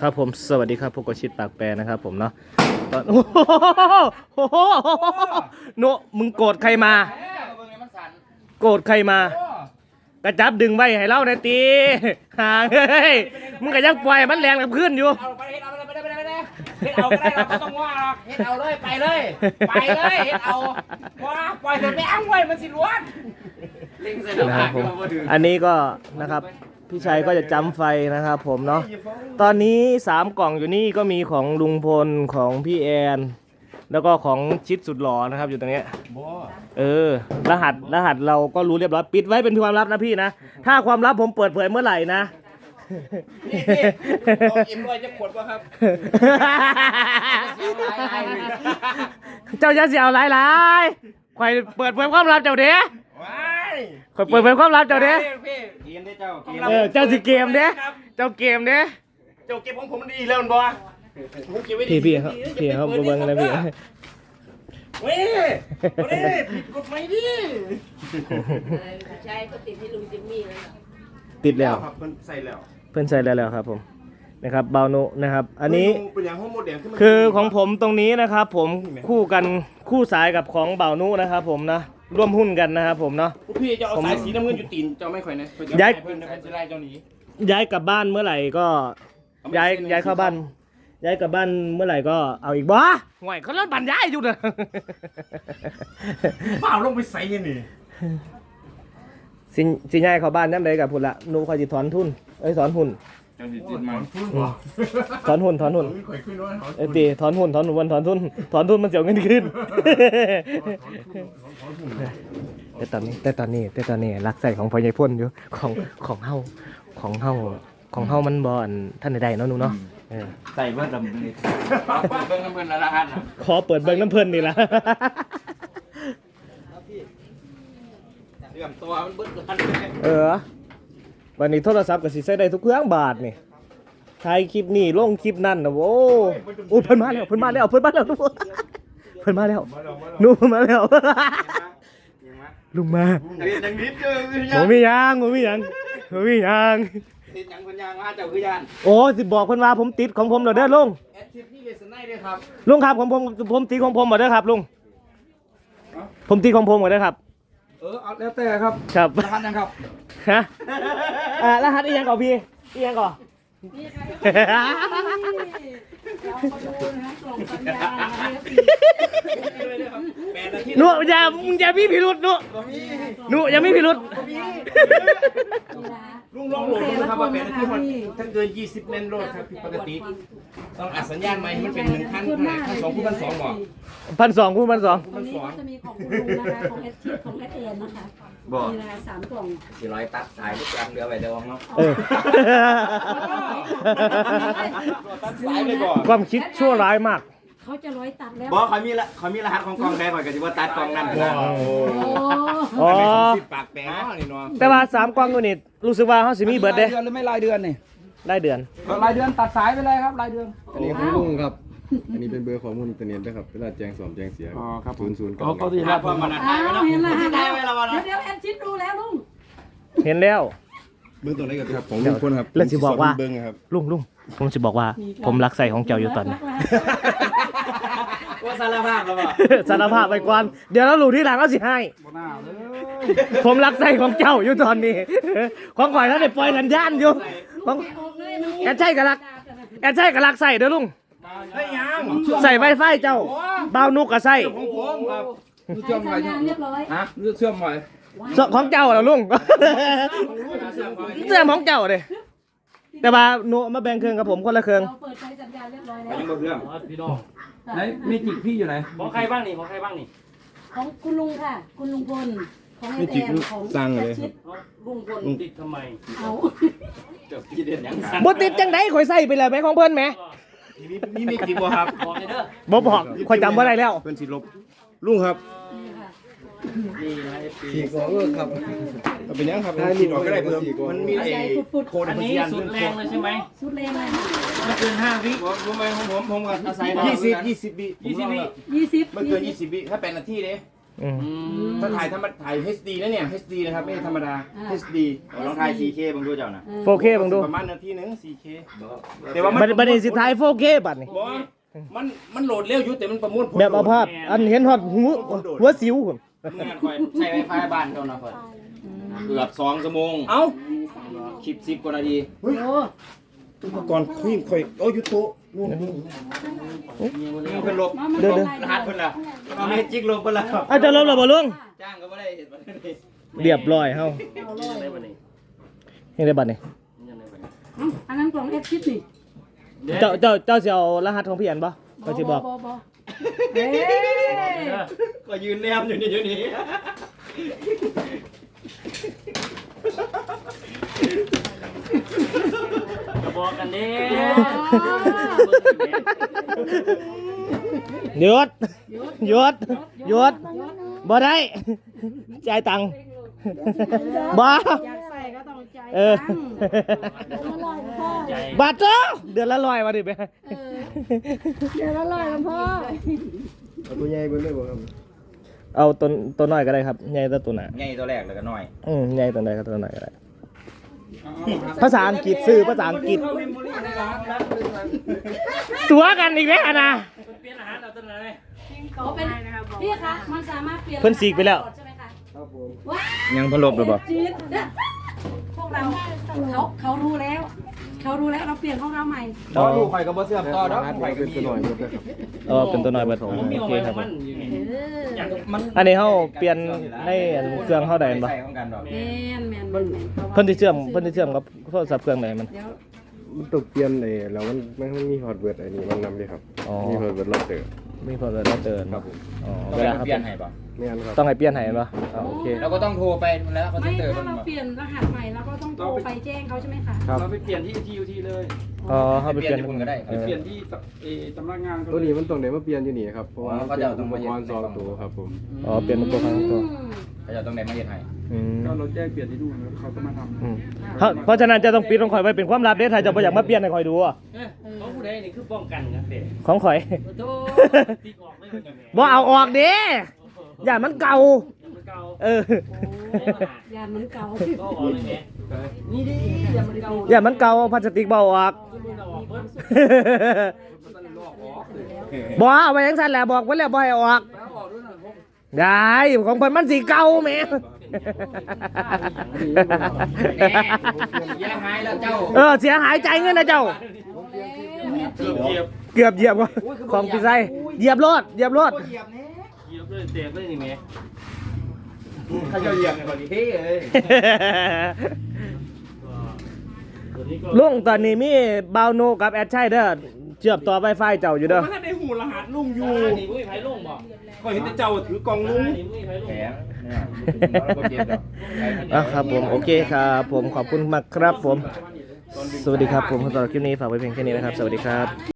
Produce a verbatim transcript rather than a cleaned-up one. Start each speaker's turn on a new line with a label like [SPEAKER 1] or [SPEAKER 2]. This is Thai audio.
[SPEAKER 1] ครับผมสวัสดีครับพวกกชิดปากแปรนะครับผมเนาะตอนโอ้โหโนมึงโกรธใครมาโกรธใครมากระจับดึงไว้ให้เล่าในตีห่างเฮ้ยมึงก็ยังปล่อยมันแรงกับขึ้นอยู่
[SPEAKER 2] เอาไปเฮ็ดเอาไปไปไปไปไปเฮ็ดเอาก็ได้เราไม่ต้องว่าหรอกเฮ็ดเอาเลยไปเลยไปเลยเฮ็ดเอาว่าปล่อยเถอะไปอ้างไว้มันสิล้วนลิงใส่ดอก
[SPEAKER 1] นะครับผมอันนี้ก็นะครับพี่ชัยก็จะจำไฟนะครับผมเนาะตอนนี้สามกล่องอยู่นี่ก็มีของลุงพลของพี่แอนแล้วก็ของชิดสุดหล่อนะครับอยู่ตรงนี้เออรหัสรหัสเราก็รู้เรียบร้อยปิดไว้เป็นความลับนะพี่นะถ้าความลับผมเปิดเผยเมื่อไหร่นะ
[SPEAKER 2] นี่ลองอิ่มด้วยจะขวดป่ะครับ
[SPEAKER 1] เจ้าจะเสียวหลายหลายใครเปิดเผยความลับเจ้าเด้ใครเปิดเผยความลับเจ้าเด้
[SPEAKER 2] เกมได้เจ้า
[SPEAKER 1] เออเจ้าสิเกมเด้เจ้าเกมเด้
[SPEAKER 2] เจ้าเก็บของผมดีแล้วมันบ่
[SPEAKER 1] พี่พี่เขาพี่เขาบูเบิ้งนะพี่
[SPEAKER 2] เว้ยเว้ยผิดกฎหมายดิ
[SPEAKER 3] ใช่ก็ติดที่ลุงจิมมี่แล้ว
[SPEAKER 1] ติดแล้ว
[SPEAKER 2] ครับเพิ่นใส่แล้ว
[SPEAKER 1] เพิ่นใส่แล้วแล้วครับผมนะครับเบานุนะครับอันนี้
[SPEAKER 2] เป็นอย่างห้องโมเดลขึ้นมา
[SPEAKER 1] คือของผมตรงนี้นะครับผมคู่กันคู่สายกับของเบานุนะครับผมนะร่วมหุ้นกันนะครับผมเนาะ
[SPEAKER 2] พี่จะเอาสายสีน้ำเงินอยู่ตีนเจ้าไม่ค่อยนะ
[SPEAKER 1] ย้าย
[SPEAKER 2] เพิ่นจะไล่เจ้าหนี
[SPEAKER 1] ย้ายกลับบ้านเมื่อไหร่ก็ย้ายย้ายเข้าบ้านย้ายกลับบ้านเมื่อไหร่ก็เอาอีกบ้าห่วยเขาเล่นบันย้ายอยู่นะ
[SPEAKER 2] เปล่าลงไปใส่ยังนี่
[SPEAKER 1] สิสิย้ายเข้าบ้านนั่นเลยกับพุ่นละนูคอยจิถอนทุนเอ้ยถอนหุ้นถอนหุ้นถอนหุ้นเอ้ยตีถอนหุ้นถอนหุ้นวันถอนทุนถอนทุนมันเสียเงินขึ้นแต่ตอนนี้แต่ตอนนี้แต่ตอนนี้รักใส่ของพ่อใหญ่พ่นอยู่ของของเฮาของเฮาของเฮามันบ่อนท่านใดๆเนาะหนูเนาะ
[SPEAKER 2] ใส่เบิ้ลดำเลยเบิ้ลน้ำเบิ้ลละฮัน
[SPEAKER 1] ขอเปิดเบิ้งน้ำเพิ่นนี่ละ
[SPEAKER 2] เรื่องตัวมันเบิ้ลกัน
[SPEAKER 1] เออวันนี้โทรศัพท์ก็สิใช้ได้ทุกเครื่องบาทนี่ถ่ายคลิปนี่ลงคลิปนั่นนะโว้โอ้เพิ่นมาแล้วเพิ่นมาแล้วเพิ่นมาแล้วเพิ่นมาแล้วหนูเพิ่นมาแล้วลุงมา
[SPEAKER 2] อย่างนิดเดียว
[SPEAKER 1] หมูมียังหมูมียังหมูมียัง
[SPEAKER 2] ติดยังคนยางมาเจ้าคือยาน
[SPEAKER 1] โอ้สิบอกเพิ่นว่าผมติดของผมเด้อลุง
[SPEAKER 2] แอดชิปนี่เลสไนด้วยครับ
[SPEAKER 1] ลุงครับของผมผมติดของผมหมดเด้อครับลุงผมติดของผมหมดเด้อครับ
[SPEAKER 2] เออเอาแล้วแต่ครับ
[SPEAKER 1] ครับ
[SPEAKER 2] รหัสยังครับ
[SPEAKER 1] ฮะอ่ารหัสอีหยังก่อนพี่อีหยังก่อนหนูอย่ามึงอย่ามีพิรุษหนูหนูอย่ามีพิรุษ
[SPEAKER 2] ลุงลองโหลดดูครับว่าแปดนาทีมันถ้าเกินยี่สิบเมนโหลดครับผิดปกติต้องอัดสัญญาณใหม่มันเป็นหนึ่งพันพันสองคูณพันสองบอก
[SPEAKER 1] พันสองคูณพันสอง
[SPEAKER 3] ตรงนี้ก็จะมีของคุณลุงนะคะของเอสชีของเอสเอ็นนะคะมีนะคะสามกล่อง
[SPEAKER 2] สี่ร้อยตัดถ่ายรูปกลางเรือไปเดี๋ยวเนาะตัดสายไปก่อน
[SPEAKER 1] ความคิดชั่วร้ายมาก
[SPEAKER 3] เขาจะร้อยตัดแล้ว
[SPEAKER 2] บอกเขามีละเขามีรหัสของกองแดงก่อนกันที่ว่าตัดกองนั่นนะ
[SPEAKER 1] อ๋อ
[SPEAKER 2] ปากแปะนี่เนาะ
[SPEAKER 1] แต่ว่าสามกองตัวนี้รู้สึกว่าเขาสิมีเบิร์ดเด้
[SPEAKER 2] รายเดือนหรือไม่รายเดือนนี่
[SPEAKER 1] รายเดือน
[SPEAKER 2] รายเดือนตัดสายไปเลยครับรายเดือน
[SPEAKER 4] อันนี้ของลุงครับอันนี้เป็นเบอร์ข้อมูลอินเทอร์เน็ตนะครับเวลาแจ้งสอบแจ้งเสีย
[SPEAKER 2] อ๋อครับ
[SPEAKER 4] ศูนย์ศูนย์
[SPEAKER 2] ก็เขาดีครับพอมานัดได้ไหมนะ
[SPEAKER 3] เห็นแล้วเห็นแล้วเดี๋ยวแอนชิดดูแล้วลุง
[SPEAKER 1] เห็นแล้ว
[SPEAKER 4] เบื้องต้นนี้ก็ครับของลุงพลครับ
[SPEAKER 1] แล้วสิบอกว่าลุงลุงผมจะบอกว่าผมรักใส่ของเจ้าอยู่ตอนนี้
[SPEAKER 2] ว่าสารภาพแล้วป่ะ
[SPEAKER 1] สารภาพไปก่อนเดี๋ยวเราหลุดที่หลังเราสิให้ผมรักใส่ของเจ้าอยู่ตอนนี้ของข่อยแล้วเด็กปล่อยสัญญาณอยู่ของแอนใช่กับรักแอนใช่กับรักใส่เด้อลุงใส่ไวไฟเจ้าเบานุกกับใส่
[SPEAKER 2] ของผมครับ
[SPEAKER 3] เชื่อมไว้เรียบร้อย
[SPEAKER 2] ฮะเชื่อมไว้
[SPEAKER 1] ของเจ้าเหรอลุงเสื่อมของเจ้าเลยแต่ว่าหนูมาแบ่งเครื่องกับผมคนละเครื่อง
[SPEAKER 3] เปิดใช้สัญญาณเรียบร้อยแล้ว
[SPEAKER 2] ยังบ่เครื่องพี่น้องไหนมีจิกพี่อยู่ไหนของใครบ้างนี่ของใครบ้างนี่
[SPEAKER 3] ของคุณลุงค่ะคุณลุงพลของ
[SPEAKER 4] ไอ้แอนของสั่งเลย
[SPEAKER 2] ลุงพลติดทำไม
[SPEAKER 3] เอา
[SPEAKER 2] เจ้าพี่เด่นยัง
[SPEAKER 1] บ่ติดจังได๋ข่อยใส่ไปเลยไหมของเพิ่นแหม
[SPEAKER 2] มีมีมีจิกบ่ครับบอกเลยเด้อ
[SPEAKER 1] บ่บอกข่อยจำบ่ได้แล้ว
[SPEAKER 4] เพิ่นสิลบลุงครับ
[SPEAKER 2] นี่นะเอฟซี
[SPEAKER 4] สี่กองเออครับเป็นยังครับ
[SPEAKER 2] ขีดออกก็ได้เพิ่มมันมีไอ้โคดอันนี้สุดแรงเลยใช่ไหม
[SPEAKER 3] สุดแรงเลย
[SPEAKER 2] ไม่เกินห้าวิผมผมผมผมกับอาศัยยี่สิบยี่สิบวิยี่สิบวิ
[SPEAKER 3] ยี่สิบ
[SPEAKER 2] ไม่เกินยี่สิบวิถ้าแปดนาทีเด้
[SPEAKER 1] อืม
[SPEAKER 2] ถ้าถ่ายธรรมถ่าย เอช ดี นะเนี่ย เอช ดี นะครับไม่ใช่ธรรมดา เอช ดี
[SPEAKER 5] ลองถ่าย โฟร์เค บางดูเจ้าน่ะ
[SPEAKER 1] โฟเคบังดู
[SPEAKER 2] ประมาณนาทีหนึง โฟร์เค แต่ว่ามัน
[SPEAKER 1] บัดบัดนี้สิท้ายโฟเคบัดนี่
[SPEAKER 2] บ่มันมันโหลดเร็วอยู่แต่มันประมวลผล
[SPEAKER 1] แบบเอาภาพอันเห็นฮอดหูหัวสิวพุ่น
[SPEAKER 2] เมื่อคอย
[SPEAKER 5] ใช้ไวไฟบ้านเจ้าน่ะค่อยเกือบสองชั่วโมง
[SPEAKER 2] เอ้า
[SPEAKER 5] คลิปสิบกว่านาที
[SPEAKER 3] โอ้
[SPEAKER 2] อุปกรณ์คุยคอยโอ้ยอยู่โต๊ะนู่น
[SPEAKER 5] เพิ่นลบ
[SPEAKER 1] เดี๋ยว
[SPEAKER 5] รหัสเพิ่นล่ะเอาเมจิกลบเพิ่นล่ะ
[SPEAKER 1] อาจจะลบแล้วบ่ลุง
[SPEAKER 5] จ้างก็บ่ได้เห็นบ่ได้
[SPEAKER 1] เรียบร้อยเฮาเฮ็ดได้บัดนี้
[SPEAKER 3] อันนั้นกล่องเอฟชิดนี่
[SPEAKER 1] เจ้าเจ้าเจ้าสิเอารหัสของพี่อันบ่ก็สิบอก
[SPEAKER 3] บ่เฮ้ย
[SPEAKER 5] ก็ยืนแนมอยู่นี่อยู่นี่
[SPEAKER 6] กระบอกกันเด้
[SPEAKER 1] หยุดหยุดหยุดบ่ได้จ่ายตังค์บ่
[SPEAKER 3] อยากใส่ก็ต้องใจ
[SPEAKER 1] เออ
[SPEAKER 6] ใจ
[SPEAKER 1] บาทเจ้าเดือนละร้อยมาดิไป
[SPEAKER 3] เดี๋ยวละลอยกันพ่อ
[SPEAKER 4] เอาตัวใหญ่เบิ่งได้บ่ครับ
[SPEAKER 1] เอาตัวตัวน้อยก็ได้ครับใหญ่ตัวตัวหนา
[SPEAKER 5] ใหญ่ตัวแรกแล้วก็น้อย
[SPEAKER 1] อืมใหญ่ตัวใดก็ตัวน้อยก็ได้ภาษาอังกฤษซื้อภาษาอังกฤษตัวกันอีกแล้วนะ
[SPEAKER 6] เปลี่ยนอาหารเราต้นอะไร
[SPEAKER 3] เขาเป็นพี่คะมันสามารถเปลี่ยน
[SPEAKER 1] เพิ่นสีกไปแล้ว
[SPEAKER 3] ใช่ไหมคะ
[SPEAKER 4] ครับผม
[SPEAKER 3] ว้า
[SPEAKER 5] ยังเพิ่นลบหรือบ่
[SPEAKER 3] จี๊ดพวกเราเขาเขารู้แล้ว เขารู้แล้วเราเปลี่ยนของเราใหม่
[SPEAKER 5] ต่อลูกข่อยก็บ่เสื่อมต่อดอก
[SPEAKER 4] รหัส
[SPEAKER 5] ข่อยก็
[SPEAKER 4] เป็น
[SPEAKER 5] มี
[SPEAKER 4] ตัวหน่อยหมดเลยครับ
[SPEAKER 1] เออเป็นตัวน้อยเบิด
[SPEAKER 6] ผมมี
[SPEAKER 1] โอ
[SPEAKER 6] เอา
[SPEAKER 1] เค
[SPEAKER 6] ไว้
[SPEAKER 1] ครับ
[SPEAKER 6] มันอยู่นี่
[SPEAKER 3] เออ
[SPEAKER 6] อย่าง
[SPEAKER 5] มัน
[SPEAKER 1] อันนี้เฮาเปลี่ยนในอันเครื่องเฮาได้บ่
[SPEAKER 5] ใส่ของกันดอก
[SPEAKER 3] แมนแมนแมนแมน
[SPEAKER 1] เพิ่นสิเชื่อมเพิ่นสิเชื่อมกับโทรศัพท์เครื่องไหนมัน
[SPEAKER 3] เดี๋ยว
[SPEAKER 4] มันต้องเปลี่ยนไอ้แล้วมันมันมันมีฮอตเวิร์ดไอ้นี่มันนำดิครับ
[SPEAKER 1] อ๋อ
[SPEAKER 4] มีฮอตเวิร์ดรอบเตอร์
[SPEAKER 1] มีพอแล้วเตือน
[SPEAKER 5] ครับผม
[SPEAKER 1] อ๋อ
[SPEAKER 5] ต้อง
[SPEAKER 1] เว
[SPEAKER 5] ไป
[SPEAKER 1] ลาครับ
[SPEAKER 5] เปลี่ยนให้บ่
[SPEAKER 4] ไม่งั้นครับ
[SPEAKER 1] ต้องให้เปลี่ยนให้บ่อ๋อโอเค
[SPEAKER 5] เราก็ต้องโทรไปแล้วเขา
[SPEAKER 3] ไม่
[SPEAKER 5] จะเตือน
[SPEAKER 3] ถ้าเราเปลี่ยนรหัสใหม่เราก็ต้องโทรไปแจ้งเขาใช่ไหมคะ
[SPEAKER 4] ครับ
[SPEAKER 6] เราไปเปลี่ยนที่ทียูทีเลย
[SPEAKER 1] อ๋อเฮาไป
[SPEAKER 5] เป
[SPEAKER 1] เป
[SPEAKER 5] ลี่
[SPEAKER 1] ลี่
[SPEAKER 5] ย
[SPEAKER 1] ยน
[SPEAKER 5] นญี่ปุ่นก็ได้
[SPEAKER 1] เออ
[SPEAKER 6] เปลี่ยนที่เอสำนักงาน
[SPEAKER 4] ตัวนี้มันต้องได้มาเปลี่ยนอยู่นี่ครับเพราะว่า
[SPEAKER 5] อ๋อ
[SPEAKER 4] มัน
[SPEAKER 5] เขา
[SPEAKER 4] เป็น
[SPEAKER 5] จะเอาตรง
[SPEAKER 4] อุ
[SPEAKER 5] มา
[SPEAKER 4] ป
[SPEAKER 5] เย็
[SPEAKER 4] ก
[SPEAKER 5] น
[SPEAKER 4] รณ์สองตัวครับผม
[SPEAKER 1] อ๋อเปลี่ยนเป็นตัวครั้งตัว
[SPEAKER 5] เขาจะต้องได้มาเย็นให้
[SPEAKER 1] อืม
[SPEAKER 6] ก็เราแจ้งเปลี่ยนที่นู่นแล้วเขาก็มาทำ
[SPEAKER 1] อืมเพราะเพราะฉะนั้นจะต้องปิดของข่อยไว้เป็นความลับเด้ถ้าจะบ่อยากมาเปลี่ยนให้ข่อยดูอะ
[SPEAKER 6] เขาผู้ใดนี่คือป้องกันครับเด็ก
[SPEAKER 1] ของข่อย
[SPEAKER 6] โตตีออกไม่เป็นยังไง
[SPEAKER 1] บ่เอาออกเด้อย่ามันเก่า
[SPEAKER 6] มันเก่า
[SPEAKER 1] เออ
[SPEAKER 3] ยานมันเก่า
[SPEAKER 6] ก็ออกเลยแม่นี่ดิยามันเก่า
[SPEAKER 1] อย่ามันเก่าพลาสติกบ่เอาออก
[SPEAKER 6] มันออกเพิ่ม
[SPEAKER 1] บ่เอาไว้จังซั่นแหละบอกไว้แล้วบ่ให้เอาออกได้ของเพิ่นมันสิเก่าแหม
[SPEAKER 5] แน่เสียหายแล้วเจ้า
[SPEAKER 1] เออเสียหายใจเงินนะเจ้า
[SPEAKER 6] เกือบเหยียบ
[SPEAKER 1] เกือบเหยียบว่ะของพี่ไส้เหยียบรถเหยียบรถ
[SPEAKER 5] เหยียบแน่
[SPEAKER 6] เหยียบเลยเตะเลยนี่แม่
[SPEAKER 5] เขาจะเหยียบในคนนี้เฮ้เลย
[SPEAKER 6] ตัวนี้ก็
[SPEAKER 1] ลุงตอนนี้มีบาวโนกับแอดชัยเด้อเชื่อมต่อ Wi-Fi เจ้าอยู่เด้อ
[SPEAKER 2] มันได้หูรหัสลุงอยู่
[SPEAKER 6] นี่มุ้ยไผ่ลงบ่
[SPEAKER 2] ก็เห็นแต่เจ้าถือกล่องลุง
[SPEAKER 6] นี่มุ้ยไผ่ลง
[SPEAKER 5] แผลเนี่ยเราก็เจ็บดอก
[SPEAKER 1] อ่ะครับผมโอเคครับผมขอบคุณมากครับผม สวัสดีครับผมสำหรับคลิปนี้ฝากไว้เพียงแค่นี้นะครับ สวัสดีครับ